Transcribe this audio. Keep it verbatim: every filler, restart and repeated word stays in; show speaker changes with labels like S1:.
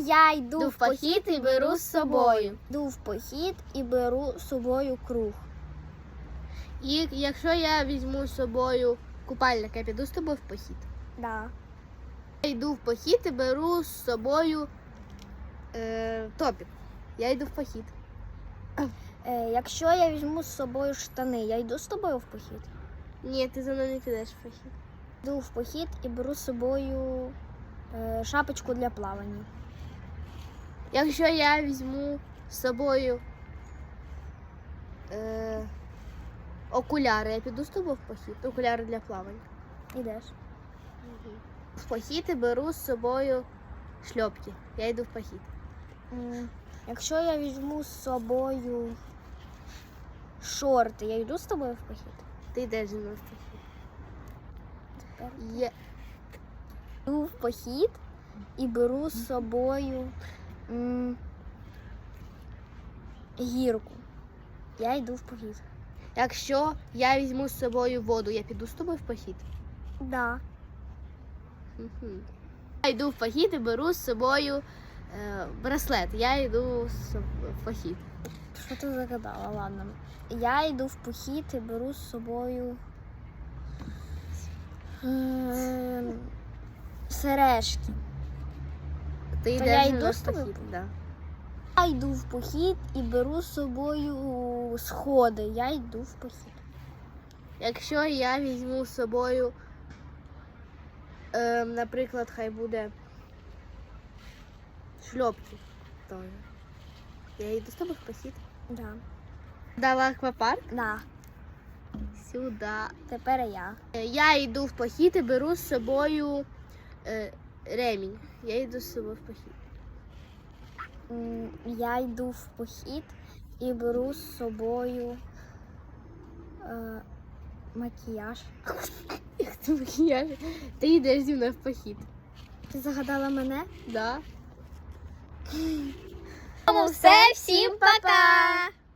S1: Я йду
S2: Йду в похід і беру з собою.
S1: Йду в похід і беру з собою круг.
S2: І якщо я візьму з собою купальник, я піду з тобою в похід.
S1: Да.
S2: Я йду в похід і беру з собою е, топік. Я йду в похід.
S1: Е, якщо я візьму з собою штани, я йду з тобою в похід.
S2: Ні, ти за мною не підеш в похід.
S1: Йду в похід і беру з собою е, шапочку для плавання.
S2: Якщо я візьму з собою е, окуляри, я піду з тобою в похід. Окуляри для плавання.
S1: Ідеш.
S2: В похід і беру з собою шльопки. Я йду в похід.
S1: М, Якщо я візьму з собою шорти, я йду з тобою в похід.
S2: Ти йдеш зі мною в похід.
S1: Тепер
S2: Я...
S1: йду в похід і беру з собою м, гірку. Я йду в похід.
S2: Якщо я візьму з собою воду, я піду з тобою в похід.
S1: Да.
S2: Мгм. Я йду в похід і беру з собою е, браслет. Я йду з соб- в похід.
S1: Що ти загадала? Ладно. Я йду в похід і беру з собою ем, сережки.
S2: Ти
S1: То
S2: йдеш
S1: я
S2: зі
S1: йду
S2: мною
S1: з
S2: в
S1: тобою?
S2: похід. Да.
S1: Я йду в похід і беру з собою сходи. Я йду в похід.
S2: Якщо я візьму з собою, е, наприклад, хай буде шльопки, то я йду з тобою в похід.
S1: Да.
S2: Дала аквапарк
S1: Да.
S2: сюди.
S1: Тепер я.
S2: Е, Я йду в похід і беру з собою е, ремінь. Я йду з собою в похід.
S1: М, Я йду в похід і беру з собою е, макіяж.
S2: Як це макіяж? Ти йдеш зі мною в похід.
S1: Ти загадала мене?
S2: Да.
S1: Тому все, всім пока!